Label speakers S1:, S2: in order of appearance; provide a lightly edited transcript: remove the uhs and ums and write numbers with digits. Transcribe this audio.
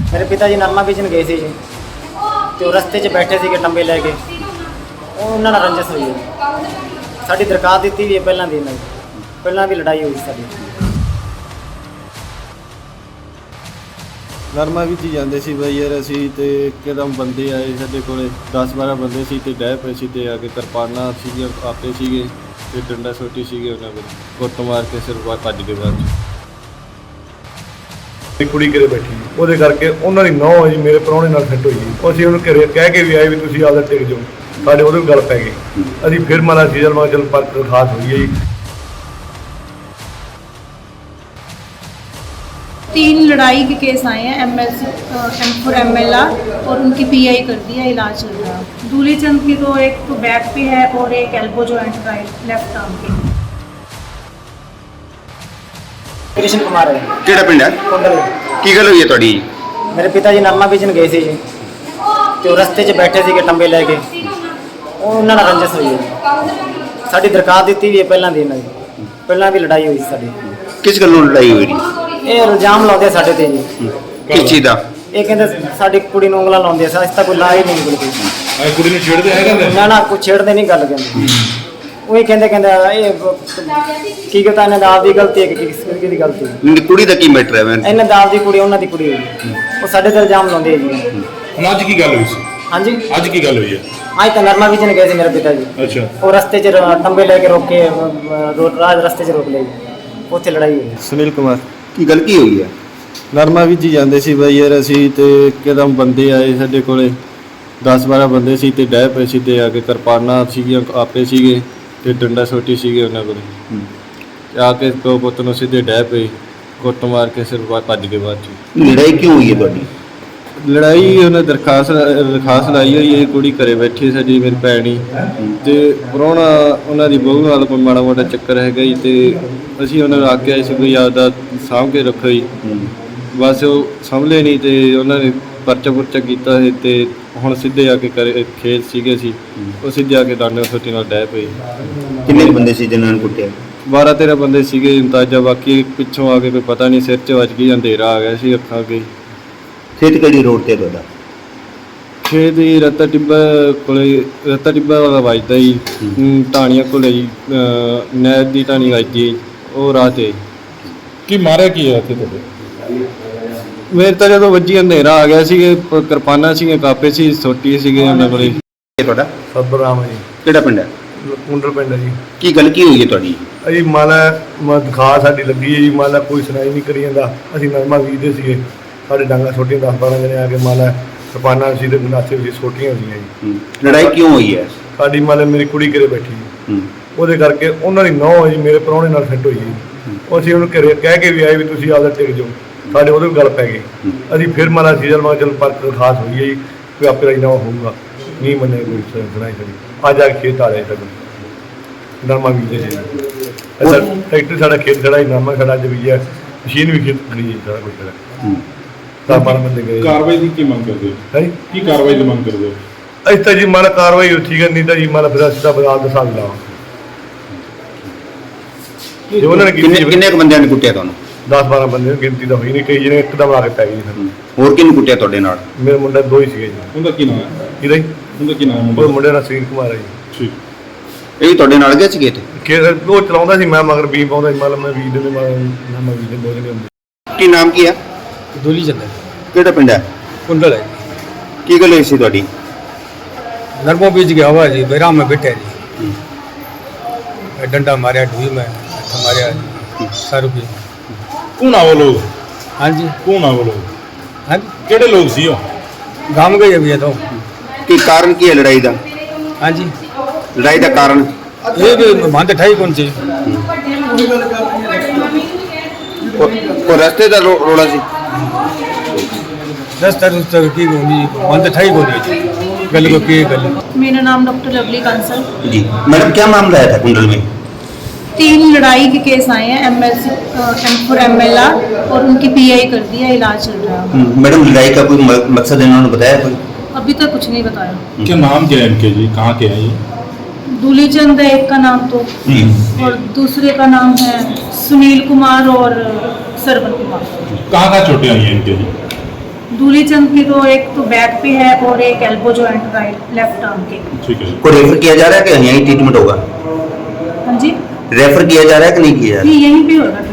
S1: ਮੇਰੇ ਪਿਤਾ ਜੀ ਨਰਮਾ ਬੀਜਣ ਗਏ ਸੀ ਜੀ ਤੇ ਉਹ ਰਸਤੇ 'ਚ ਬੈਠੇ ਸੀਗੇ ਟੰਬੇ ਲੈ ਕੇ। ਉਹ ਉਹਨਾਂ ਨਾਲ ਰੰਜਿਸ਼ ਹੋਈ ਹੈ। ਸਾਡੀ ਦਰਖਾਸਤ ਦਿੱਤੀ ਵੀ ਹੈ ਪਹਿਲਾਂ ਦੀ, ਇਹਨਾਂ ਦੀ ਪਹਿਲਾਂ ਵੀ ਲੜਾਈ ਹੋਈ ਸਾਡੀ।
S2: ਨਰਮਾ ਵਿੱਚ ਹੀ ਜਾਂਦੇ ਸੀ ਬਈ ਯਾਰ ਅਸੀਂ, ਤੇ ਇੱਕਦਮ ਬੰਦੇ ਆਏ ਸਾਡੇ ਕੋਲੇ 10-12 ਬੰਦੇ ਸੀ ਤੇ ਡਹਿ ਪਏ ਸੀ ਤੇ ਆ ਕੇ ਕਿਰਪਾਨਾਂ ਸੀਗੀਆਂ ਆਪੇ ਸੀਗੇ ਤੇ ਡੰਡਾ ਸੋਟੀ ਸੀਗੇ ਉਹਨਾਂ ਕੋਲ, ਕੁੱਟ ਮਾਰ ਕੇ ਸਿਰ ਬਾਹਰ ਭੱਜ ਗਏ ਬਾਅਦ 'ਚ।
S3: ਇੱਕ ਕੁੜੀ ਘਰੇ ਬੈਠੀ ਉਹਦੇ ਕਰਕੇ ਉਹਨਾਂ ਦੀ ਨੌਂ ਜੀ ਮੇਰੇ ਪ੍ਰਾਹੁਣੇ ਨਾਲ ਫਿੱਟ ਹੋਈ ਜੀ। ਅਸੀਂ ਉਹਨੂੰ ਘਰੇ ਕਹਿ ਕੇ ਵੀ ਆਏ ਵੀ ਤੁਸੀਂ ਆਪਦਾ ਟਿਕ ਜਾਓ, ਸਾਡੇ ਉਹਦੇ ਗੱਲ ਪੈ ਗਈ। ਅਸੀਂ ਫਿਰ ਮਾਲਾ ਸੀਜ਼ਨ ਮਾ ਚਲ ਪਰ ਖਾਸ ਹੋਈ ਹੈ ਜੀ।
S4: 3 लड़ाई के केस आए हैं MLC M4 MLR और उनकी PI कर दी है, इलाज चल रहा है। दूली चंद की तो एक तो बैक पे है और एक elbow joint right left arm पे।
S1: ਕ੍ਰਿਸ਼ਨ ਕੁਮਾਰ ਹੈ
S5: ਕਿਹੜਾ ਪਿੰਡ ਹੈ?
S1: ਕੁੰਡਲ।
S5: ਕੀ ਗੱਲ ਹੋਈ ਹੈ ਤੁਹਾਡੀ?
S1: ਮੇਰੇ ਪਿਤਾ ਜੀ ਨਰਮਾ ਬੀਜਣ ਗਏ ਸੀ ਜੀ ਤੇ ਉਹ ਰਸਤੇ 'ਚ ਬੈਠੇ ਸੀਗੇ ਟੰਬੇ ਲੈ ਕੇ। ਉਹ ਉਹਨਾਂ ਨਾਲ ਰੰਜਿਸ਼ ਹੋਈ ਹੈ। ਸਾਡੀ ਦਰਖਾਸਤ ਦਿੱਤੀ ਵੀ ਹੈ ਪਹਿਲਾਂ ਦੀ, ਇਹਨਾਂ ਦੀ ਪਹਿਲਾਂ ਵੀ ਲੜਾਈ ਹੋਈ ਸਾਡੀ।
S5: ਕਿਸ ਗੱਲੋਂ ਲੜਾਈ ਹੋਈ ਜੀ?
S1: ਇਹ ਇਲਜ਼ਾਮ ਲਾਉਂਦੇ ਆ ਸਾਡੇ ਤੇ ਜੀ।
S5: ਕਿਸ ਚੀਜ਼ ਦਾ?
S1: ਇਹ ਕਹਿੰਦੇ ਸਾਡੀ ਕੁੜੀ ਨੂੰ ਉਂਗਲਾਂ ਲਾਉਂਦੇ ਆ, ਅਸੀਂ ਤਾਂ ਕੋਈ ਲਾ ਹੀ ਨਹੀਂ ਬਿਲਕੁਲ।
S3: ਕੁੜੀ ਨੂੰ ਛੇੜਦੇ ਹੈ ਕਹਿੰਦੇ
S1: ਨਾ ਨਾ ਕੋਈ ਛੇੜਦੇ ਨਹੀਂ ਗੱਲ ਕਹਿੰਦੇ। ਉਹੀ ਕਹਿੰਦੇ ਇਹ ਕੀ ਕਹਤਾ ਇਹਨਾਂ ਦਾ ਆਪਦੀ ਗਲਤੀ ਹੈ ਕਿ ਕਿਸੇ ਦੀ ਗਲਤੀ ਹੈ।
S5: ਨਹੀਂ, ਕੁੜੀ ਦਾ ਕੀ ਮੈਟਰ ਹੈ? ਮੈਂ
S1: ਇਹਨਾਂ ਦਾ ਆਪਦੀ ਕੁੜੀ ਉਹਨਾਂ ਦੀ ਕੁੜੀ ਹੈ। ਉਹ ਸਾਡੇ ਤੇ ਇਲਜ਼ਾਮ ਲਾਉਂਦੇ ਆ ਜੀ।
S3: ਹੁਣ ਅੱਜ ਕੀ ਗੱਲ ਹੋਈ ਸੀ?
S1: ਹਾਂਜੀ
S3: ਅੱਜ ਕੀ ਗੱਲ ਹੋਈ ਹੈ?
S1: ਅੱਜ ਤਾਂ ਨਰਮਾ ਬੀਜਣ ਗਏ ਸੀ ਮੇਰੇ ਪਿਤਾ ਜੀ।
S3: ਅੱਛਾ,
S1: ਉਹ ਰਸਤੇ 'ਚ ਟੰਬੇ ਲੈ ਕੇ ਰੋਕੇ, ਰਸਤੇ 'ਚ ਰੋਕ ਲਏ ਜੀ। ਉੱਥੇ ਲੜਾਈ ਹੋਈ।
S2: ਸੁਨੀਲ ਕੁਮਾਰ।
S5: ਕੀ ਗੱਲ ਕੀ ਹੋਈ ਹੈ?
S2: ਨਰਮਾ ਵਿੱਚ ਹੀ ਜਾਂਦੇ ਸੀ ਬਈ ਯਾਰ ਅਸੀਂ, ਤੇ ਇੱਕਦਮ ਬੰਦੇ ਆਏ ਸਾਡੇ ਕੋਲੇ 10-12 ਬੰਦੇ ਸੀ ਤੇ ਡਹਿ ਪਏ ਸੀ ਤੇ ਆ ਕੇ ਕਿਰਪਾਨਾਂ ਸੀਗੀਆਂ ਆਪੇ ਸੀਗੇ ਤੇ ਡੰਡਾ ਸੋਟੀ ਸੀਗੇ ਉਹਨਾਂ ਕੋਲ। ਆ ਕੇ ਪਿਓ ਪੁੱਤ ਨੂੰ ਸਿੱਧੇ ਡਹਿ ਪਏ, ਕੁੱਟ ਮਾਰ ਕੇ ਸਿਰ ਬਾਹਰ ਭੱਜ ਗਏ ਬਾਅਦ 'ਚ।
S5: ਲੜਾਈ ਕਿਉਂ ਹੋਈ ਹੈ ਤੁਹਾਡੀ?
S2: ਲੜਾਈ ਉਹਨੇ ਦਰਖਾਸਤ ਲਾਈ ਹੋਈ ਹੈ। ਕੁੜੀ ਘਰੇ ਬੈਠੀ ਸਾਡੀ ਮੇਰੀ ਭੈਣੀ ਤੇ ਪ੍ਰਾਹੁਣਾ ਉਹਨਾਂ ਦੀ ਬਹੂ ਨਾਲ ਕੋਈ ਮਾੜਾ ਮੋਟਾ ਚੱਕਰ ਹੈਗਾ ਜੀ, ਤੇ ਅਸੀਂ ਉਹਨਾਂ ਨੂੰ ਆਖਿਆ ਸੀ ਕੋਈ ਆਪਦਾ ਸਾਂਭ ਕੇ ਰੱਖੋ ਜੀ। ਬਸ ਉਹ ਸੰਭਲੇ ਨਹੀਂ ਤੇ ਉਹਨਾਂ ਨੇ ਪਰਚਾ ਕੀਤਾ ਸੀ ਤੇ ਹੁਣ ਸਿੱਧੇ ਆ ਕੇ ਘਰੇ ਖੇਤ ਸੀਗੇ ਸੀ, ਉਹ ਸਿੱਧੇ ਆ ਕੇ ਡਾਂਡੇ ਸੋਟੀ ਨਾਲ ਡਹਿ ਪਏ।
S5: ਕਿੰਨੇ ਕੁ ਬੰਦੇ ਸੀ ਜਿਨ੍ਹਾਂ ਨੂੰ ਕੁੱਟਿਆ?
S2: 12-13 ਬੰਦੇ ਸੀਗੇ ਅੰਦਾਜ਼ਾ, ਬਾਕੀ ਪਿੱਛੋਂ ਆ ਕੇ ਕੋਈ ਪਤਾ ਨਹੀਂ, ਸਿਰ 'ਚ ਵੱਜ ਗਈ, ਅੰਧੇਰਾ ਆ ਗਿਆ ਸੀ ਅੱਖਾਂ ਅੱਗੇ।
S5: ਖੇਤ ਕਿਹੜੀ ਰੋਡ ਤੇ ਤੁਹਾਡਾ?
S2: ਖੇਤ ਹੀ ਰਤਾ ਟਿੱਬਾ ਵਾਲਾ ਵੱਜਦਾ ਜੀ, ਢਾਣੀਆਂ ਕੋਲੇ ਜੀ, ਨਹਿਰ ਦੀ ਢਾਣੀ ਵੱਜਦੀ ਹੈ, ਉਹ ਰਾਹ 'ਤੇ।
S3: ਕੀ ਮਾਰਿਆ ਕੀ ਹੈ ਇੱਥੇ ਤੁਹਾਡੇ?
S2: ਮੇਰੇ ਤਾਂ ਜਦੋਂ ਵੱਜੀ ਅੰਧੇਰਾ ਆ ਗਿਆ ਸੀਗੇ, ਕਿਰਪਾਨਾਂ ਸੀਗੀਆਂ, ਕਾਪੇ ਸੀ, ਸੋਟੀ ਸੀਗੇ ਉਹਨਾਂ ਕੋਲੇ।
S5: ਇਹ ਤੁਹਾਡਾ
S3: ਸਤਬਰਾਮ ਜੀ,
S5: ਕਿਹੜਾ ਪਿੰਡ ਹੈ?
S3: ਕੁੰਡਲ ਪਿੰਡ ਹੈ ਜੀ।
S5: ਕੀ ਗੱਲ ਕੀ ਹੋਈ ਹੈ ਤੁਹਾਡੀ?
S3: ਅਸੀਂ ਮਾਲਾ ਦਿਖਾ ਸਾਡੀ ਲੱਗੀ ਹੈ ਜੀ। ਮਾਲਾ ਕੋਈ ਸੁਣਾਈ ਨਹੀਂ ਕਰੀ ਜਾਂਦਾ। ਅਸੀਂ ਨਰਮਾ ਬੀਜਦੇ ਸੀਗੇ, ਸਾਡੇ ਡਾਂਗਾ ਛੋਟੀਆਂ 10-12 ਜਣੇ ਆ ਕੇ ਮਾਲਾ ਕਿਰਪਾਨਾਂ ਸੀ ਤੇ ਗੰਡਾਸੇ ਵੀ ਛੋਟੀਆਂ ਹੋਈਆਂ ਜੀ।
S5: ਲੜਾਈ ਕਿਉਂ ਹੋਈ ਹੈ?
S3: ਸਾਡੀ ਮਾਲਾ ਮੇਰੀ ਕੁੜੀ ਘਰੇ ਬੈਠੀ ਜੀ। ਉਹਦੇ ਕਰਕੇ ਉਹਨਾਂ ਦੀ ਨੌਂ ਜੀ ਮੇਰੇ ਪ੍ਰਾਹੁਣੇ ਨਾਲ ਫਿੱਟ ਹੋਈ ਜੀ। ਅਸੀਂ ਉਹਨੂੰ ਘਰੇ ਕਹਿ ਕੇ ਵੀ ਆਏ ਵੀ ਤੁਸੀਂ ਆਪਦਾ ਟਿਕ ਜਾਓ, ਸਾਡੇ ਉਹਦੇ ਗੱਲ ਪੈ ਗਈ। ਅਸੀਂ ਫਿਰ ਮਾਲਾ ਸੀਜ਼ਨ ਮਾ ਚਲ ਪਰ ਖਾਸ ਹੋਈ ਹੈ ਜੀ, ਕੋਈ ਆਪੇ ਰਾਜੀਨਾਮਾ ਹੋਊਗਾ। ਨਹੀਂ ਮੰਨੇ ਕੋਈ ਸੁਣਾਈ ਕਰੀ। ਅੱਜ ਆ ਕੇ ਖੇਤ ਆ ਰਹੇ ਸਾਡੇ ਨਰਮਾ ਬੀਜਦੇ ਸੀ। ਅੱਛਾ, ਟਰੈਕਟਰ ਸਾਡਾ ਖੇਤ ਖੜਾ ਹੀ, ਨਰਮਾ ਸਾਡਾ ਅੱਜ ਬੀਜਿਆ, ਮਸ਼ੀਨ ਵੀ ਖੇਤ ਖੜੀ ਹੈ, ਸਾਰਾ ਕੁਝ ਖੜਾ। 10-12 ਬੰਦੇ ਗਏ।
S6: ਕਾਰਵਾਈ ਦੀ ਕੀ ਮੰਗ ਕਰਦੇ ਹੋ?
S3: ਹੈ
S6: ਕੀ ਕਾਰਵਾਈ ਦੀ ਮੰਗ ਕਰਦੇ ਹੋ?
S3: ਅਸੀਂ ਤਾਂ ਜੀ ਮਾਲਾ ਕਾਰਵਾਈ ਠੀਕ ਹੈ, ਨਹੀਂ ਤਾਂ ਜੀ ਮਾਲਾ ਫਿਰ ਅਸੀਂ ਤਾਂ ਬਜ਼ਾਰ ਦਾ ਹਿਸਾਬ ਲਾਵਾਂ। ਜੇ ਉਹਨਾਂ ਨੇ
S5: ਕਿੰਨੇ ਕੁ ਬੰਦਿਆਂ ਨੇ ਕੁੱਟਿਆ ਤੁਹਾਨੂੰ?
S3: 10-12 ਬੰਦੇ ਗਿਣਤੀ ਤਾਂ ਹੋਈ ਨਹੀਂ, ਕਈ ਜਿਹਨੇ ਇੱਕਦਮ ਆ ਕੇ ਪੈ ਗਈ ਸਾਨੂੰ।
S5: ਹੋਰ ਕਿਹਨੂੰ ਕੁੱਟਿਆ ਤੁਹਾਡੇ ਨਾਲ?
S3: ਮੇਰੇ ਮੁੰਡੇ 2 ਹੀ ਸੀਗੇ ਜੀ।
S6: ਉਹਦਾ ਕੀ ਨਾਮ ਹੈ?
S3: ਕਿਹਦਾ ਜੀ?
S6: ਉਹਦਾ ਕੀ ਨਾਮ
S3: ਉਹ
S6: ਹੈ?
S3: ਮੁੰਡੇ ਦਾ ਸੁਨੀਲ ਕੁਮਾਰ ਹੈ ਜੀ।
S6: ਠੀਕ।
S5: ਇਹ ਵੀ ਤੁਹਾਡੇ ਨਾਲ ਗਿਆ ਸੀ ਖੇਤ?
S3: ਉਹ ਚਲਾਉਂਦਾ ਸੀ, ਮੈਂ ਮਗਰ ਬੀਮ ਪਾਉਂਦਾ ਸੀ। ਮਤਲਬ ਮੈਂ ਬੀਜ ਦਿੰਦੇ, ਮੈਂ ਬੀਜ ਦਿੰਦੇ 2 ਜਣੇ ਹੁੰਦੇ।
S5: ਕੀ ਨਾਮ ਕੀ ਹੈ?
S2: ਦੂਲੀ ਚੰਦ।
S5: ਕਿਹੜਾ ਪਿੰਡ ਹੈ?
S2: ਕੁੰਡਲ ਹੈ।
S5: ਕੀ ਗੱਲ ਹੋਈ ਸੀ ਤੁਹਾਡੀ?
S2: नरमो बीज गया हुआ जी, बैराम में बैठे जी, डंडा मारे ढूई में, मारे सर भी।
S6: कौन आ वो लोग?
S2: हाँ जी,
S6: कौन आ वो लोग?
S2: हाँ जी,
S6: केड़े लोग सी हो?
S2: गाँव गए अभी ये तो।
S5: ਕੀ ਕਾਰਨ ਕੀ ਹੈ ਲੜਾਈ ਦਾ?
S2: हाँ जी,
S5: ਲੜਾਈ ਦਾ ਕਾਰਨ?
S2: ये भी मानते ठाई कौन सी
S5: ਉਹ ਰਸਤੇ ਦਾ ਰੋਲਾ ਸੀ?
S2: दस तरह की मानते ठाई कौन गल को की गल।
S4: मेरा नाम डॉक्टर लवली कंसल।
S5: जी मैडम, क्या मामला आया था कुंडल में?
S4: 3 लड़ाई के केस आए हैं MLC M4 MLR और उनकी PI कर दी है, इलाज चल रहा है।
S5: मैडम, लड़ाई का कोई मकसद इन्होंने बताया कोई?
S4: अभी तक कुछ नहीं बताया।
S6: क्या नाम क्या है इनके जी? कहाँ के हैं ये?
S4: दूली चंद है एक का नाम तो, और दूसरे का नाम है सुनील कुमार और सरवन कुमार।
S6: कहाँ कहाँ चोटें आई हैं इनके जी?
S4: दूली चंद की तो एक तो बैक पे है और एक elbow joint right left arm के।
S6: ठीक है।
S5: को रेफर किया जा रहा है कि यहीं ट्रीटमेंट होगा?
S4: हाँ जी,
S5: रेफर किया जा रहा है कि नहीं किया जा रहा
S4: ये यहीं पे होगा।